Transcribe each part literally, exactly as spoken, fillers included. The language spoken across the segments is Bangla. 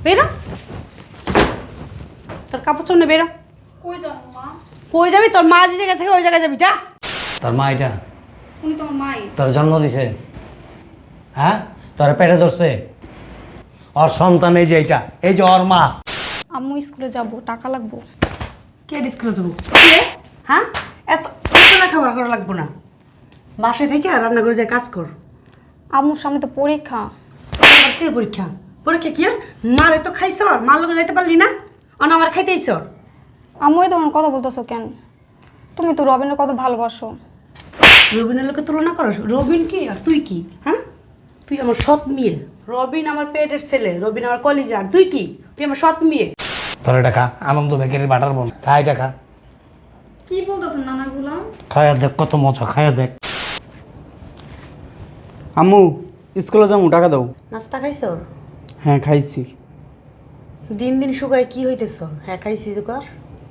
বেরো, তোর কাপড় চোপড় নে, বেরো। কই যাবো মা? কই যাবি? তোর মা যে জায়গায় থাকে ওই জায়গায় যাবি, যা। তোর মা এটা উনি তোমার মাই। তোর জন্ম দিছে, হ্যাঁ? তোর পেটে ধরছে, ওর সন্তান এই যে এইটা, এই যে ওর মা। আম্মু স্কুলে যাব, টাকা লাগবো। কে স্কুলে যাবো? কে? হ্যাঁ, এত এত না খাবার করা লাগবো না, বাসায় থেকে আর রান্না করে যায় কাজ কর। আম্মুর সামনে তো পরীক্ষা। আবার কে পরীক্ষা? পরীক্ষা কি? মারে তো খাইছ, মার লোকে যাইতে পারলি না, অন আমার খাইতেইছ। আম্মু এই তোমার কথা বলতেছো কেন? তুমি তো রবিনের কত ভালোবাসো। রবিনের লোকে তুলনা করো? রবিন কি আর তুই কি? হ্যাঁ, তুই আমার সৎ মেয়ে। রবিন আমার পেটের ছেলে, রবিন আমার কলিজার। তুই কি? তুই আমার সৎ মেয়ে। তোর এটা খা, আনন্দ বেকারির বাটার বন, খাই এটা খা। কি বলতেছেন নানাগুলা? খায়া দেখ কত মজা, খায়া দেখ। আম্মু স্কুলে যাবো, টাকা দাও। নাস্তা খাইছ? হ্যাঁ খাইছি। দিন দিন শুকায় কি হইতেছ? হ্যাঁ খাইছি তো কর।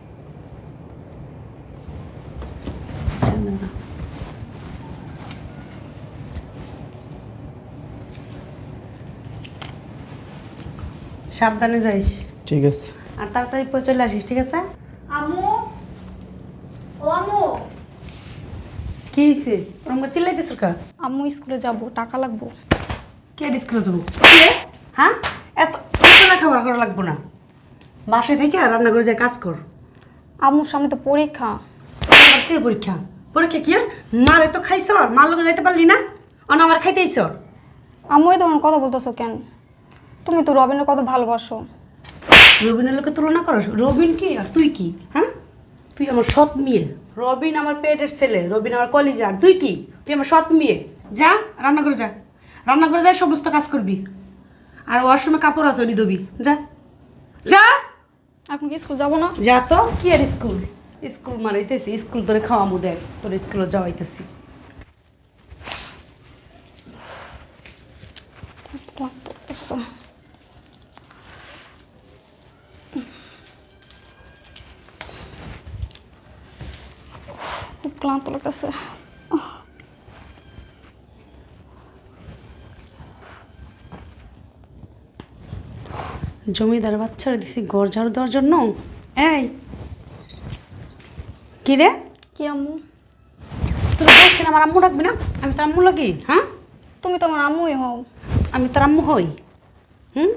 সাবধানে যাইস ঠিক আছে। আর তাড়াতাড়ি পরে চলে আসিস, ঠিক আছে? আম্মু, ও আম্মু। কি হয়েছে? ওরকম করে চিল্লাইতেছ কা? আম্মু স্কুলে যাব, টাকা লাগবো। কে স্কুলে যাবো? কে? হ্যাঁ, এত এত না খাবার করা লাগবো না, বাসায় থেকে আর রান্না করে যায় কাজ কর। আম্মুর সামনে তো পরীক্ষা। আবার কে পরীক্ষা? পরীক্ষা কি? মারে তো খাইছ, মার লোকে যাইতে পারলি না, অন আমার খাইতেইছ। আম্মু এই তোমার কথা বলতেছো কেন? তুমি তো রবিনের কত ভালোবাসো। রবিনের লোকে তুলনা করো? রবিন কি আর তুই কি? হ্যাঁ, তুই আমার সৎ মেয়ে। রবিন আমার পেটের ছেলে, রবিন আমার কলিজার। তুই কি? তুই আমার সৎ মেয়ে। যা রান্না করে যা, রান্না করে যা, সমস্ত কাজ করবি। আর ওয়াশরুমে কাপড় আছে, ওটি ধুবি। যা যা এখন কি স্কুল যাবো না? যা তো। কি আর স্কুল? স্কুল মারাইতেছি? স্কুল তোরে খাওয়ামু, দেখ তোর স্কুলে যাওয়াইতেছি। খুব ক্লান্ত লাগতেছে। জমিদার বাচ্চারা দিছি ঘর ঝাড়ু দেওয়ার জন্য। এই কি রে? কি আম্মু? তুই বলছি না আমার আম্মু ডাকবি না? আমি তোর আম্মু লাগি? হ্যাঁ, তুমি তো আমার আম্মুই হও। আমি তোর আম্মু হই? হুম,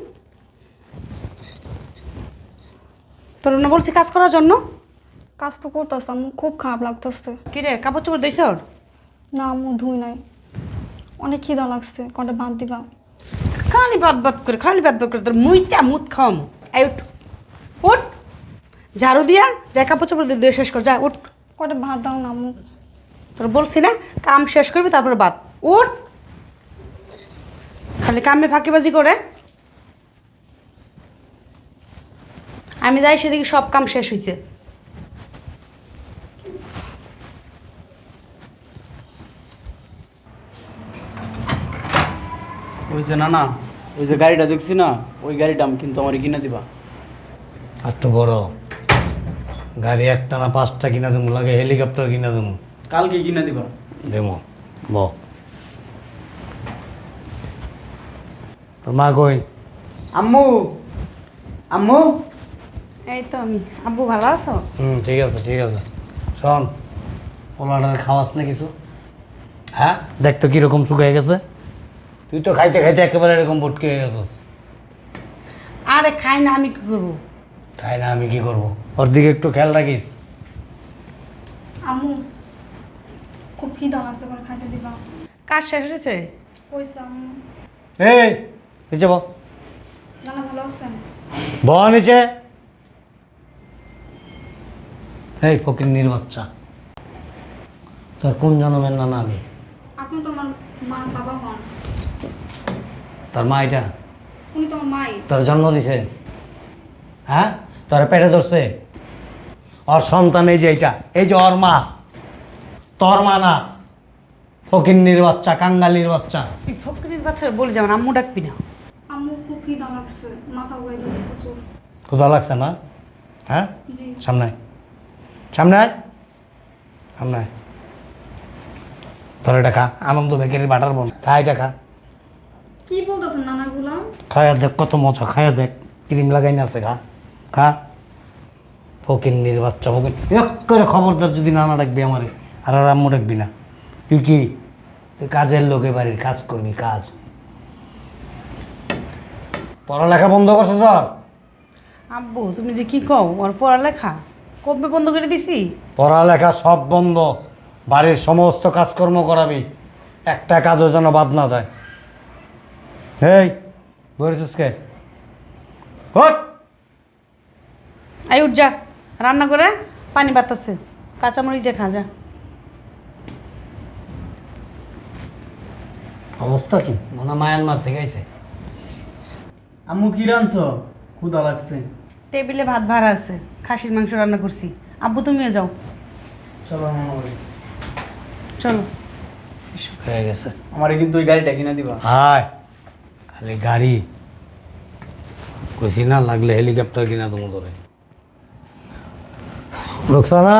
তোর না বলছি কাজ করার জন্য। কাজ তো করতেছে আম্মু, খুব খারাপ লাগতেছে। কি রে, কাপড় চোপড় দিছ? না আম্মু, ধুই নাই। অনেক খিদা লাগছে, কটা ভাত দিবা? খালি বাদ বাদ করে, খালি বাদ বাদ করে তোর মুইতা মুত খাওয়ামু। এই উঠ, উঠ, ঝাড়ু দিয়া যা, কাপড় চোপড় দিয়ে দিয়ে শেষ কর, যা উঠ। কটা ভাত দাও না আম্মু। তোর বলছি না কাম শেষ করবি তারপর বাদ। উঠ, খালি কামে ফাঁকিবাজি করে। আমি যাই সেদিকে সব কাম শেষ হয়েছে। ওই যে না না ওই যে গাড়িটা দেখছি না, ওই গাড়িটা আমি কিন্তু আমার কিনে দিবা। আর তো বড় গাড়ি একটা না পাঁচটা কিনা দেবো, লাগে হেলিকপ্টার কিনা দেবো। কালকে কিনে দিবা। দেবো ব তোর মা কই? আম্মু, আম্মু। এই তো আমি। আব্বু ভালো আছো? হুম, ঠিক আছে ঠিক আছে। শোন, পোলাটার খাওয়াস না কিছু? হ্যাঁ, দেখ তো কীরকম শুকিয়ে গেছে। তুই তো খাইতে খাইতে একেবারে এরকম ভটকে হয়ে গেছিস। আরে খাই না, আমি কি করবো? খাই না আমি কি করব? ওর দিকে একটু খেয়াল রাখিস। আম্মু খুব খিদা লাগছে, করে খাইতে দিবা? কাজ শেষ হয়েছে? কইছে আম্মু। এই নিচে ব, নানা ভালো আছেন? ব নিচে। এই ফকিন্নির বাচ্চা, তোর কোন জন্মের নানা আমি? আপনি তো আমার মা বাবা হন। তোর মা এটা উনি তো আমার মাই। তোর জন্ম দিছে, হ্যাঁ? তোর পেটে ধরছে, ওর সন্তান এই যে এইটা, এই যে ওর মা। তোর মা না, ফকিন্নির বাচ্চা, কাঙ্গালির বাচ্চা। তুই ফকরির বাচ্চারা বলি যেমন আম্মু ডাকবি না। আম্মু খুব খিদা লাগছে, মাথা ঘুরাইতেছে প্রচুর। ক্ষুধা লাগছে না? হ্যাঁ, জি। সামনে আয়, সামনে আয়, সামনে আয়। তোর এটা খা, আনন্দ বেকারির বাটার বন, খা এটা খা। কি বলতেছেন নানাগুলা? খায়া দেখ কত মজা, খায়া দেখ। ক্রিম লাগাই না আছে খা খা ফকিন্নির বাচ্চা ফকিন এক করে খবরদার যদি নানা ডাকবি আমারে আর আর আম্মু ডাকবি না তুই কি তুই কাজের লোকে বাড়ির কাজ করবি কাজ পড়ালেখা বন্ধ করছো স্যার আব্বু তুমি যে কি কও ওর পড়ালেখা কবে বন্ধ করে দিছি? পড়ালেখা সব বন্ধ বাড়ির সমস্ত কাজকর্ম করাবি একটা কাজও যেন বাদ না যায় এই বলেছিস কে হট আই উঠ যা রান্না করে পানি বাতাসে কাঁচামরিচ দিয়ে খা যা। অবস্থা কি মনে হয় মায়ানমার থেকে আইছে আম্মু কি রানছো? ক্ষুধা লাগছে। টেবিলে ভাত ভাড়া আছে, খাসির মাংস রান্না করছি। আব্বু তুমিও যাও, চলো আমার বাড়ি। চলো। হয়ে গেছে আমারে কিন্তু ওই গাড়িটা কিনে দিবা। হায় খালি গাড়ি কইছি না লাগলে হেলিকপ্টার কিনা তুমি ধরে রোকসানা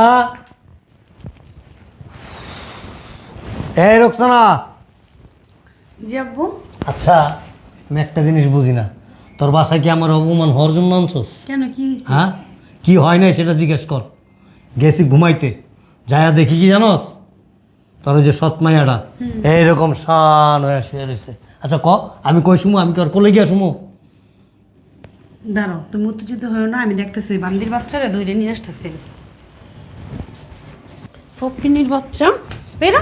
এই রোকসানা জি আব্বু। আচ্ছা আমি একটা জিনিস বুঝি না তোর বাসায় কি আমার অপমান হওয়ার জন্য আনছোস কেন কি হয়েছে? হ্যাঁ কি হয় নাই সেটা জিজ্ঞেস কর গেছি ঘুমাইতে যায়া দেখি কি জানোস তোর ওই যে সৎমাইয়াটা এইরকম শান হয়ে শুয়ে রয়েছে আচ্ছা ক আমি কই শুমু আমি কি আর কোলে গিয়া শুমু দাঁড়াও, তুমি উত্তেজিত হয়েও না, আমি দেখতেছি ওই বান্দির বাচ্চারা দৌড়ে নিয়ে আসতেছে। ফকিনির বাচ্চা বেরো,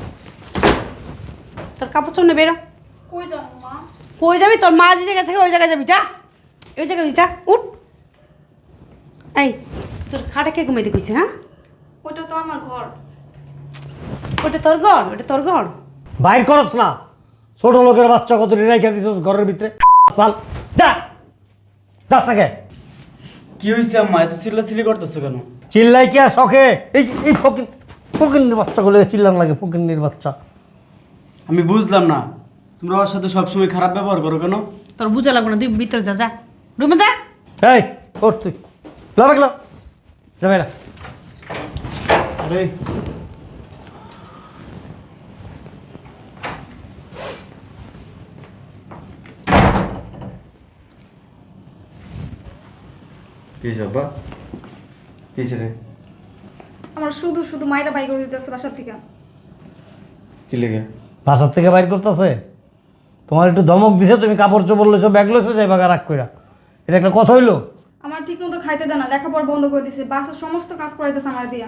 তোর কাপড় চোপড় নে বেরো। কই যাও মা? কই যাবি? তোর মা যে জায়গা থেকে ওই জায়গায় যাবি, যা ওই জায়গায় যা, উঠ। এই তোর খাটে কে ঘুমাইতে কইছে? হ্যাঁ ওটা তো আমার ঘর। ওটা তোর ঘর? ওটা তোর ঘর? বাইর করস না ছোট লোকের বাচ্চা কত রেখে দিছ ঘরের ভিতরে চাল যা যাস না কে কি হয়েছে আম্মা? এত চিল্লাচিল্লি করতেছো কেন? চিল্লাই কি আর শখে এই এই ফকিন ফকিন্নির বাচ্চাগুলো চিল্লান লাগে ফকিন্নির বাচ্চা আমি বুঝলাম না, তোমরা ওর সাথে সবসময় খারাপ ব্যবহার করো কেন? তোর বুঝা লাগবে না, তুই ভিতরে যা, যা রুমে যা। এই ওর তুই লাভ গেল যাবে না আরে কি যাবা কি রে আমার শুধু শুধু মায়েরা বাই করে দিতেছে বাসার থেকে। কি লেগে বাসার থেকে বাইর করতেছে তোমার একটু ধমক দিছে তুমি কাপড় চোপড় লইছো ব্যাগ লইছো যাই বাগা রাখ কইরা এটা একটা কথা হইলো আমার ঠিক মতো খাইতে দেয় না, লেখাপড়া বন্ধ করে দিছে, বাসার সমস্ত কাজ করাইতেছে আমার দিয়া।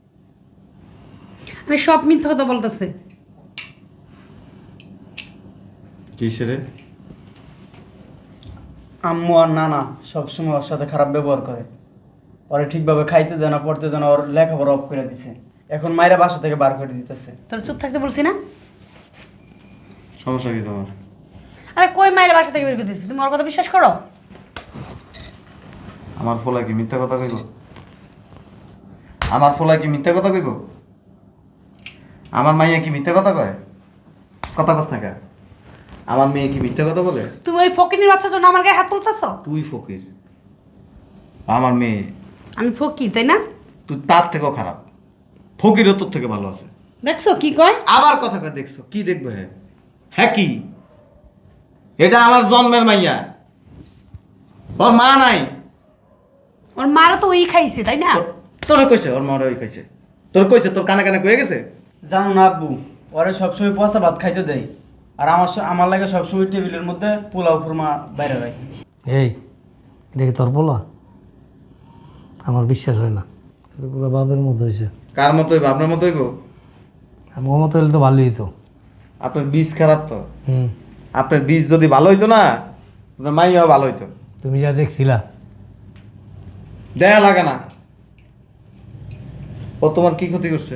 আরে সব মিথ্যা কথা বলতেছে। কি রে আম্মু আর নানা সবসময় ওর সাথে খারাপ ব্যবহার করে, ওরে ঠিকভাবে খাইতে দেয় না, পড়তে দেয় না, ওর লেখাপড়া অফ করে দিছে। এখন মায়েরা বাসা থেকে বার করে দিতেছে। তোর চুপ থাকতে বলছি না? সমস্যা কি তোমার আরে কই মায়ের বাসা থেকে বের করে দিচ্ছি, তুমি ওর কথা বিশ্বাস করো? আমার ফোলা কি মিথ্যা কথা কইব আমার ফোলা কি মিথ্যা কথা কইব আমার মাইয়া কি মিথ্যা কথা কয় কথা কস না কে? আমার মেয়ে কি মিথ্যা কথা বলে? তুমি ওই ফকিনির বাচ্চার জন্য আমার গায়ে হাত তুলতেছ? তুই ফকির আমার মেয়ে আমি ফকির তাই না? তুই তার থেকেও খারাপ ফকিরও তোর থেকে ভালো আছে। দেখছো কি কয়? আবার কথা কয় দেখছো কি দেখবে হ্যাঁ হ্যাঁ কি এটা আমার জন্মের মাইয়া ওর মা নাই ওর মারা তো ওই খাইছে তাই না? তোর কইছে ওর মা ওই কইছে তোর কইছে তোর কানে কানে কয়ে গেছে জানো না আব্বু, ওরে সবসময় পচা ভাত খাইতে দেয়, আর আমার স- আমার লাগে সবসময় টেবিলের মধ্যে পোলাও খুরমা বাইরে রাখি। এই এটা কি তোর বলা আমার বিশ্বাস হয় না এটা পুরো বাপের মতো হয়েছে কার মতো হইব আপনার মতো হইব আমার মতো হলে তো ভালোই হতো আপনার বীজ খারাপ তো হুম আপনার বীজ যদি ভালো হইতো না আপনার মাইয়াও ভালো হইতো তুমি যা দেখছিলা দেয়া লাগে না ও তোমার কি ক্ষতি করছে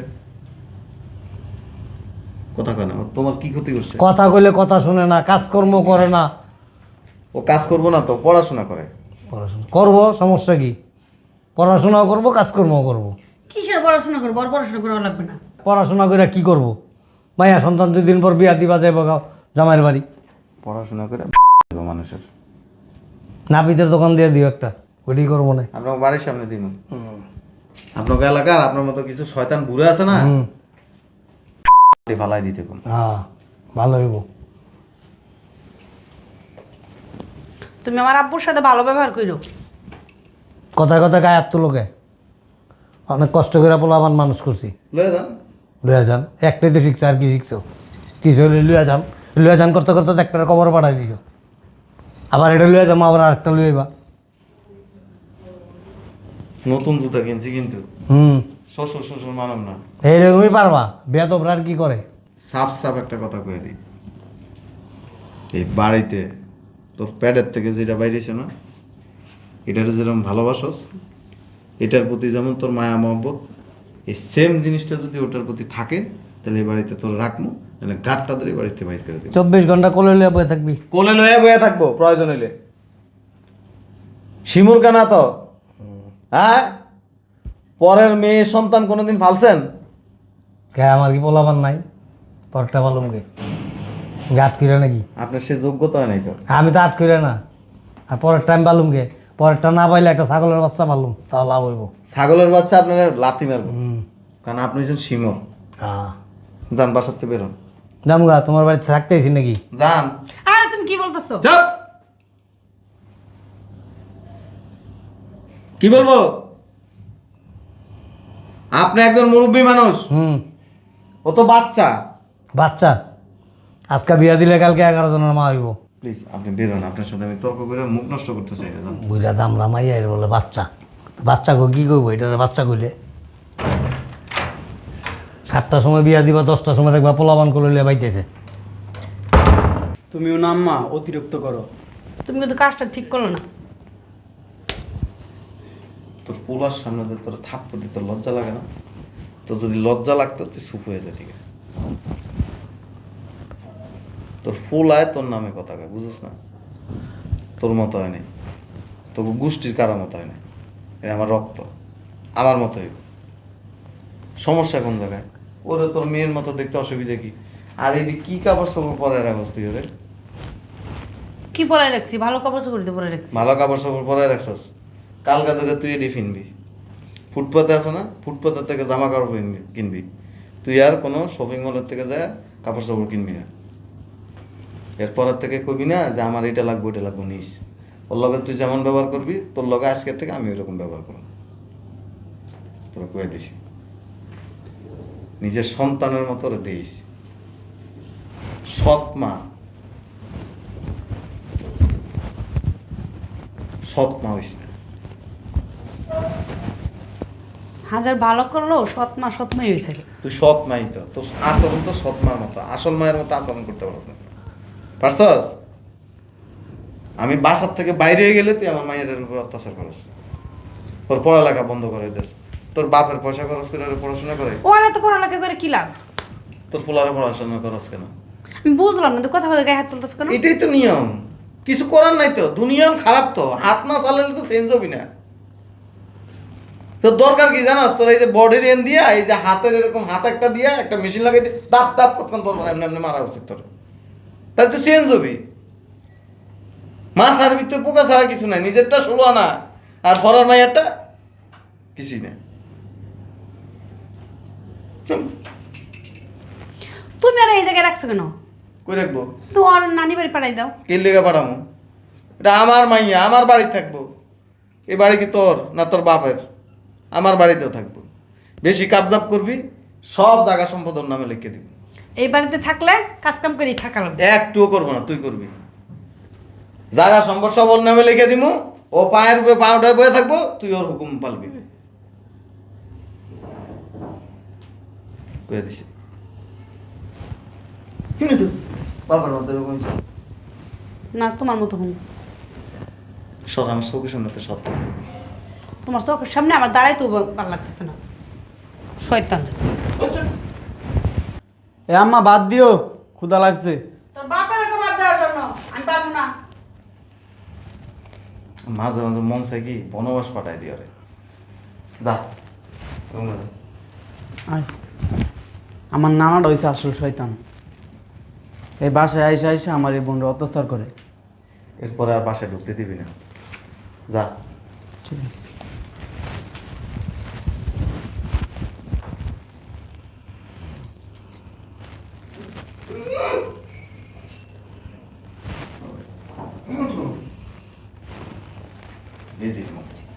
কথা কয় না ও তোমার কি ক্ষতি করছে কথা কইলে কথা শুনে না কাজকর্ম করে না ও কাজ করবো না তো পড়াশোনা করে পড়াশোনা করবো সমস্যা কি পড়াশোনাও করবো কাজকর্মও করবো কিসের পড়াশোনা করবো? ওর পড়াশোনা করা লাগবে না। পড়াশোনা করে কি করব মাইয়া সন্তান দুই দিন পর বিয়া দিবা যাইব গাও জামাইয়ের বাড়ি পড়াশোনা করে মানুষের নাপিতের দোকান দিয়ে দিও একটা ওইটাই করবো না আপনার বাড়ির সামনে দিন আপনার এলাকার আপনার মতো কিছু শয়তান বুড়ে আছে না হুম ফালাই দিতে কোন হ্যাঁ ভালো হইব তুমি আমার আব্বুর সাথে ভালো ব্যবহার করো। কথায় কথায় গায়ে হাত তুলোকে অনেক কষ্ট করে পোলাবান মানুষ করছি। লয়ে যান। লুয়া যান একটাই তো শিখছো, আর কি শিখছো? কিছু হলে লুয়া যান, লুয়া যান করতে করতে তো একটা কবর পাঠাই দিছো। আবার এটা লুয়া যাবো, আবার আরেকটা লুয়াইবা। নতুন জুতা কিনছি কিন্তু হুম, শ্বশুর শ্বশুর মানাম না। এইরকমই পারবা। বিয়া তো আর কি করে? সাফ সাফ একটা কথা কয়ে দিই, এই বাড়িতে তোর প্যাডের থেকে যেটা বাইরেছে না, এটার যেরকম ভালোবাসস, এটার প্রতি যেমন তোর মায়া মহব্বত, এই সেম জিনিসটা যদি ওটার প্রতি থাকে, তাহলে এই বাড়িতে তোর রাখবো, তাহলে গাঁটটা ধরে এই বাড়িতে বাইর করে দেবো। চব্বিশ ঘন্টা কোলে লুয়া বয়ে থাকবি। কোলে লয়ে বয়ে থাকবো প্রয়োজন হইলে। শিমুর কানা তো, হ্যাঁ? পরের মেয়ে সন্তান কোনোদিন ফালছেন? কে আমার কি পোলাবান নাই? পরটা পালুম গে গাত কিরে নাকি? আপনার সে যোগ্যতা নাই তো। আমি তো আট করে না। আর পরের টাইম পালুম গে, পরেরটা না পাইলে একটা ছাগলের বাচ্চা পালুম, তাও লাভ হইব। ছাগলের বাচ্চা আপনারা লাথি মারবো, হুম, কারণ আপনি হচ্ছেন শিমর। হ্যাঁ যান বাসাতে বেরোন। জামগা, তোমার বাড়িতে থাকতেছি নাকি? যান। আরে তুমি কি বলতেছো? চুপ! কি বলবো? আপনি একজন মুরব্বী মানুষ, হুম, ও তো বাচ্চা। বাচ্চা আজকে বিয়া দিলে কালকে এগারো জনের মা হইব। প্লিজ আপনি বেরোন, আপনার সাথে আমি তর্ক করে মুখ নষ্ট করতে চাই না। যান। বুড়া দাম রামাইয়া এর বলে বাচ্চা। বাচ্চা গো কি করবো এটা? বাচ্চা কইলে সাতটার সময় বিয়া দিবা, দশটার সময় দেখবা পোলাবান করলে বাইতেছে। তুমিও না আম্মা অতিরিক্ত করো। তুমি কিন্তু কাজটা ঠিক করলো না। তোর পোলার সামনে যে তোর থাপ্পড় দিতে লজ্জা লাগে না? তোর যদি লজ্জা লাগতো তুই চুপ হয়ে যা, ঠিক আছে? তোর পোলায় তোর নামে কথা কয়, বুঝিস না? তোর মতো হয় নাই, তোর গোষ্ঠীর কারো মতো হয় নাই। এটা আমার রক্ত, আমার মতো হইব। সমস্যা কোন জায়গায়? ওরে তোর মেয়ের মতো দেখতে অসুবিধা কি? আর এই যে কি কাপড় চোপড় পরে রাখস তুই? ওরে কি পরাই রাখছি? ভালো কাপড় চোপড় দিয়ে পরাই রাখছি। ভালো কাপড় চোপড় পরে রাখছস, কালকা ধরে তুই এটি কিনবি। ফুটপাতে আছে না, ফুটপাতের থেকে জামা কাপড় কিনবি কিনবি তুই আর কোনো শপিং মলের থেকে যায় কাপড় চোপড় কিনবি না। এরপরের থেকে কবি না যে আমার এটা লাগবে ওইটা লাগবে, নিস। ওর লগে তুই যেমন ব্যবহার করবি, তোর লগে আজকের থেকে আমি ওইরকম ব্যবহার করব। তোরা কয়ে দিস, নিজের সন্তানের মতো ওরে দিস। সৎ মা, সৎ মা হইস না। হাজার ভালো করলেও সৎ মা সৎ মাই হয়ে থাকে। তুই সৎ মাই তো, তোর আচরণ তো সৎ মার মতো, আসল মায়ের মতো আচরণ করতে পারছ না, পারছস? আমি বাসার থেকে বাইরে গেলে তুই আমার মায়ের উপর অত্যাচার করিস, তোর পড়ালেখা বন্ধ করে দিস, তোর বাপের পয়সা খরচ করে ওরা পড়াশোনা করে, ও আর এত পড়ালেখা করে কি লাভ? তোর পোলারে পড়াশোনা করস কেন? আমি বুঝলাম না, তুই কথা কথা গায়ে হাত তুলতেছ কেন? এটাই তো নিয়ম, কিছু করার নাই তো। দুনিয়াম খারাপ তো, হাত না চালালে তো চেঞ্জ হবি না। তোর দরকার কি জানাস? তোর এই যে বডির এন দিয়া, এই যে হাতের এরকম হাত একটা দিয়া একটা মেশিন লাগাই দিয়ে দাপ দাপ কতক্ষণ পর পর এমনি এমনি মারা উচিত তোর, তাহলে তুই চেঞ্জ হবি। মাথার ভিতরে পোকা ছাড়া কিছু নাই, নিজেরটা ষোলো আনা আর পরার মাইয়ারটা কিছুই না। তুমি আর এই জায়গায় রাখছো কেন? কই রাখবো? তো আর নানি বাড়ি পাঠাই দাও। কে লেগে পাঠামো? এটা আমার মাইয়া, আমার বাড়ি থাকবো। এই বাড়ি কি তোর না তোর বাপের? আমার বাড়িতেও থাকবো। বেশি কাবজাব করবি, সব জায়গা সম্পদ ওর নামে লিখে দিবি। এই বাড়িতে থাকলে কাজ কাম করেই থাকা লাগবে। একটুও করবো না, তুই করবি। জায়গা সম্পদ সব ওর নামে লিখে দিব, ও পায়ের উপরে পা উঠায় বয়ে থাকবো, তুই ওর হুকুম পালবি। কয়ে দিছি। কিন্তু বাবার মধ্যে এরকম না তোমার মতো হুন। সব আমার চোখের সামনে তো সত্য। তোমার চোখের সামনে আমার দাঁড়াই তো ভালো লাগতেছে না। শয়তান যা। এ আম্মা বাদ দিও, ক্ষুধা লাগছে। তোর বাপের ওকে বাদ দেওয়ার জন্য আমি পাবো না। মাঝে মাঝে মন চাই কি বনবাস পাঠাই দিয়ে রে। যা রুমে যা। আয়, আমার নানাটা হয়েছে আসল শয়তান। এই বাসায় আইসে আইসে আমার এই বোনরা অত্যাচার করে। এরপরে আর বাসায় ঢুকতে দিবি না, যা। ঠিক আছে। ভিজিট